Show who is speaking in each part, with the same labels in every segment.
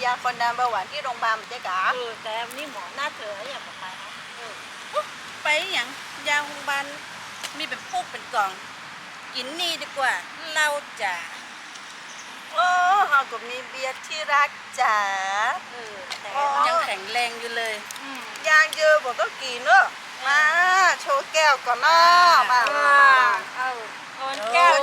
Speaker 1: าคนดันเบาหวานที่โรงพยาบาลเจ๊กา
Speaker 2: แต่นี่หมอหน้าเธออย่างบอกไปนะ
Speaker 1: ไปอย่างยาโรงพยาบาลมีเป็นปุ๊กเป็นกล่องกินนี่ดีกว่าเราจ๋าโอ้เราก็มีเบียร์ที่รักจ๋า
Speaker 2: แต่
Speaker 1: ยังแข็งแรงอยู่เลยยางเยอะบอกก็กินเนอะมาโชว์แก้วก่อนเนาะมา
Speaker 2: คนแก้ว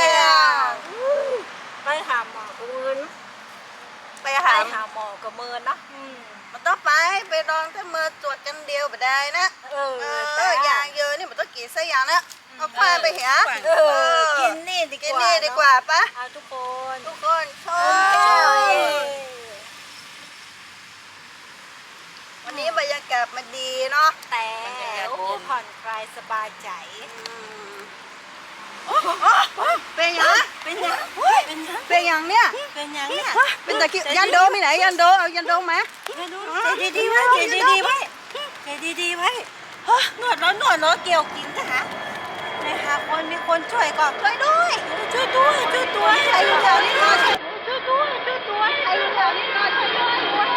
Speaker 2: ไปหาหมอกูมือน
Speaker 1: ไปหา
Speaker 2: หมอกับมือนะ
Speaker 1: มันต้องไปลองถ้ามือตรวจกันเดียวไม่ได้นะยางเยอะนี่มันต้องกินซะอย่างนะเอาควายไปเหรอ
Speaker 2: กินนี่
Speaker 1: ดีกว่าปะ
Speaker 2: ทุก
Speaker 1: คนชอบวันนี้บรรยากาศมันดีเนาะ
Speaker 2: แต่ผ่อนคลายสบายใจ
Speaker 1: เป็นยัง
Speaker 2: เป็นยัง
Speaker 1: เนี่ย
Speaker 2: เป็น
Speaker 1: ตะกี้ยันโดมีไหนยันโดเอายันโดไหม
Speaker 2: ใจดีไว้หนวดร้อนเกี่ยวกินนะคะนะคะคนมีคนช่วยก่อนช่วยด้วย
Speaker 1: ใครอยู่แถวนี้หน่อย
Speaker 2: ช่วยด้วย
Speaker 1: ใครอยู่แถวนี้หน่อยช่วยด้วย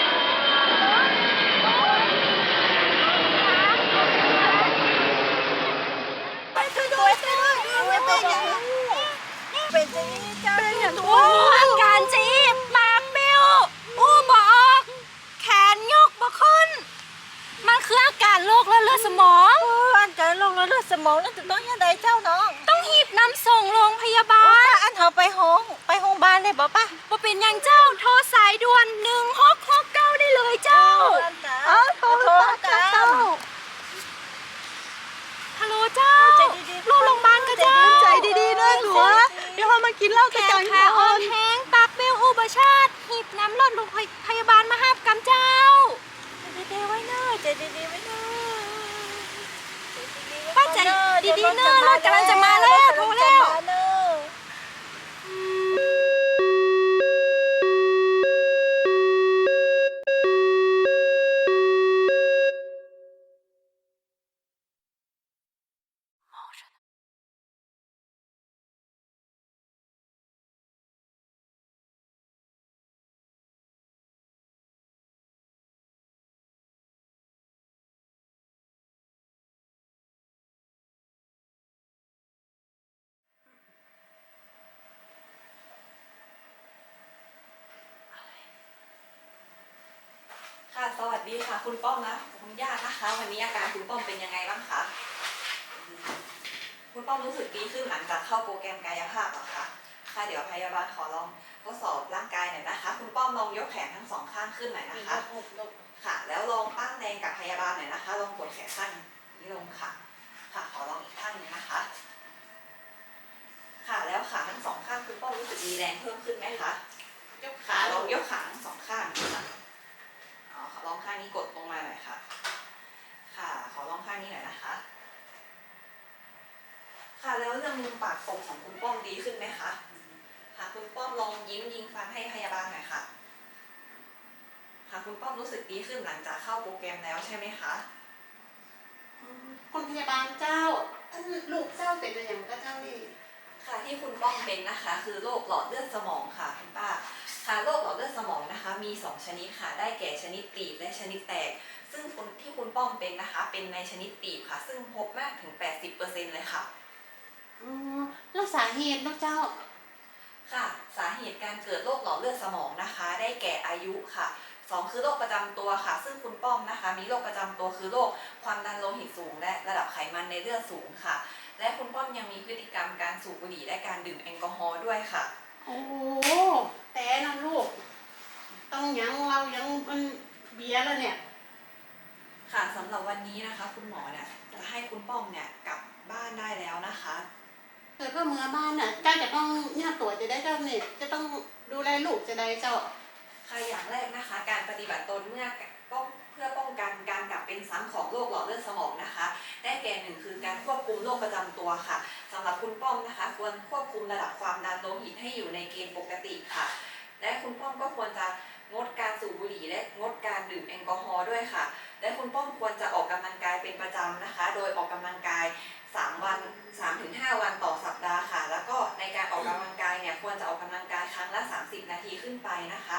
Speaker 2: เป็นอย่างอาการจีบปากเบี้ยวบอกแขนยกบ่ขึ้นมันคืออาการโรคเลือดสมอง
Speaker 1: อาการโรคเลือดสมองนั่นจะต้องยังไงเจ้าน้อง
Speaker 2: ต้องหีบนำส่งโรงพยาบาล
Speaker 1: อันเขาไปห้องพยาบาลได้บ่ป่ะ
Speaker 2: บ่เป็นอย่างเจ้าโทรสายด่วน1669ได้เลยเจ้า
Speaker 1: โทรเจ้า
Speaker 2: ฮัลโหลเจ้าลูกโรงพยาบาลกับเจ้า
Speaker 1: ใจดีๆนะหนูเดี๋ยวพอมากินเหล้าจะกัน
Speaker 2: แขนอ่อนแห้งปากเบี้ยวอุบัติชาติหีบน้ำรถโรงพยาบาลมาห้ามกำเจ้า
Speaker 1: ใจไว้เนอะใจดีๆไว้เนอะ
Speaker 2: ป้าใจดีๆเนอะรถกำลังจะมาแล้วโทรแล้ว
Speaker 3: ค่ะสวัสดีค่ะคุณป้อมนะคุณย่านะคะวันนี้อาการคุณป้อมเป็นยังไงบ้างคะคุณป้อมรู้สึกดีขึ้นหลังจากเข้าโปรแกรมกายภาพเหรอคะค่ะเดี๋ยวพยาบาลขอลองทดสอบร่างกายหน่อยนะคะคุณป้อมลองยกแขนทั้งสองข้างขึ้นหน่อยนะคะค่ะแล้วลองตั้งแรงกับพยาบาลหน่อยนะคะลองกดแขนข้างนี้ลงค่ะค่ะขอลองอีกข้างนึงนะคะค่ะแล้วขาทั้งสองข้างคุณป้อมรู้สึกมีแรงเพิ่มขึ้นไหมคะยกขาลองยกขาทั้งสองข้างค่ะขอลองข้างนี้กดลงมาหน่อยค่ะค่ะขอลองข้างนี้หน่อยนะคะค่ะแล้วเรื่องมุมปากกบของคุณป้อมดีขึ้นไหมคะค่ะคุณป้อมลองยิ้มยิงฟันให้พยาบาลหน่อยค่ะค่ะคุณป้อมรู้สึกดีขึ้นหลังจากเข้าโปรแกรมแล้วใช่ไหมคะ
Speaker 4: คุณพยาบาลเจ้าลูกเจ้าเป็นอะไรอย่างก็เจ้านี่
Speaker 3: ค่ะที่คุณป้อมเป็นนะคะคือโรคหลอดเลือดสมองค่ะคุณป้าค่ะโรคหลอดเลือดสมองนะคะมี2ชนิดค่ะได้แก่ชนิดตีบและชนิดแตกซึ่งที่คุณป้อมเป็นนะคะเป็นในชนิดตีบค่ะซึ่งพบมากถึง 80% เลยค่ะ
Speaker 4: แล้วสาเหตุนะเจ้า
Speaker 3: ค่ะสาเหตุการเกิดโรคหลอดเลือดสมองนะคะได้แก่อายุค่ะ2คือโรคประจำตัวค่ะซึ่งคุณป้อมนะคะมีโรคประจำตัวคือโรคความดันโลหิตสูงและระดับไขมันในเลือดสูงค่ะและคุณป้อมยังมีพฤติกรรมการสูบบุหรี่และการดื่มแอลกอฮอล์ด้วยค่ะ
Speaker 4: โอ้แต่นะลูกต้องยังเรายังมันเบียร์แล้วเนี่ย
Speaker 3: ค่ะสำหรับวันนี้นะคะคุณหมอเนี่ยจะให้คุณป้อมเนี่ยกลับบ้านได้แล้วนะคะ
Speaker 4: เกิดว่าเมื่อบ้านน่ะเจ้าจะต้องเนี่ยตัวจะได้เจ้าเนี่ยจะต้องดูแลลูกจะได้เจ้า
Speaker 3: ค่ะอย่างแรกนะคะการปฏิบัติตนเพื่อป้องกันการกลับเป็นซ้ำของโรคหลอดเลือดสมองนะคะได้แก่1คือการควบคุมโรคประจำตัวค่ะสำหรับคุณป้อมนะคะควรควบคุมระดับความดันโลหิตให้อยู่ในเกณฑ์ปกติค่ะและคุณป้อมก็ควรจะงดการสูบบุหรี่และงดการดื่มแอลกอฮอล์ด้วยค่ะและคุณป้อมควรจะออกกำลังกายเป็นประจำนะคะโดยออกกำลังกาย3-5 วันต่อสัปดาห์ค่ะแล้วก็ในการออกกำลังกายเนี่ยควรจะออกกำลังกายครั้งละ30 นาทีขึ้นไปนะคะ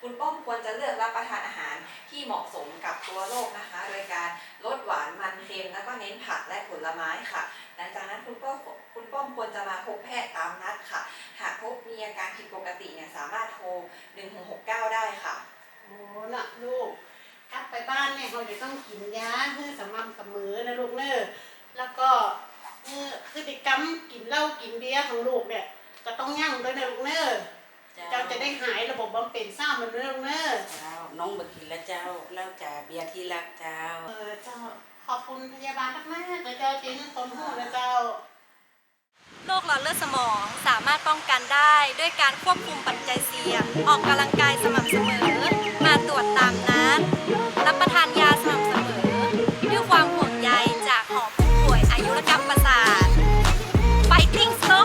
Speaker 3: คุณป้อมควรจะเลือกรับประทานอาหารที่เหมาะสมกับตัวโรคนะคะ โดยการลดหวานมันเค็มแล้วก็เน้นผักและผลไม้ค่ะหลังจากนั้นคุณป้อมควรจะมาพบแพทย์ตามนัดค่ะ หากพบมีอาการผิดปกติเนี่ยสามารถโทร1669ได้ค่ะ
Speaker 4: โอ้น่ะลูกกลับไปบ้านเนี่ยเราจะต้องกินยาเพื่อสม่ำเสมอนะลูกเนอะแล้วก็พฤติกรรมกินเหล้ากินเบียร์ของลูกเนี่ยก็ต้องยั่งด้วยนะลูกเนอะเจ้าจะได้หายระบบบำเป็นซ่ามันด้วยลูกเนอะ
Speaker 1: เจ้าน้องบักกินแล้วเจ้าเล่าจ่าเบียร์ที่รักเจ้า
Speaker 4: เจ้าขอบคุณพยาบาลมากๆนะเจ้าจริงต้นหูนะเจ้า
Speaker 2: โรคหลอดเลือดสมองสามารถป้องกันได้ด้วยการควบคุมปัจจัยเสี่ยง ออกกำลังกายสม่ำเสมอ มาตรวจตามนัด รับประทานยาสม่ำเสมอ ด้วยความห่วงใยจากหอผู้ป่วยอายุรกรรมประสาท Fighting Strong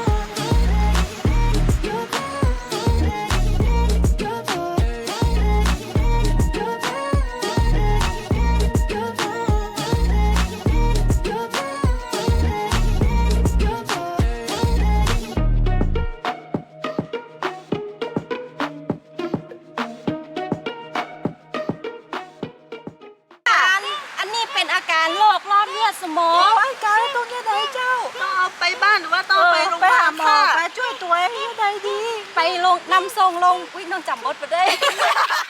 Speaker 2: อันนี้เป็นอาการโรคหลอดเลือดสมอง
Speaker 1: ไอ้การต้องยังไงเจ้าต้องเอาไปบ้านหรือว่าต้องไปโรงพยาบาลค่ะไปช่วยตัวเองยังไงดี
Speaker 2: ไปลงนำทรงลงอุ้ยน้องจำบทไปได้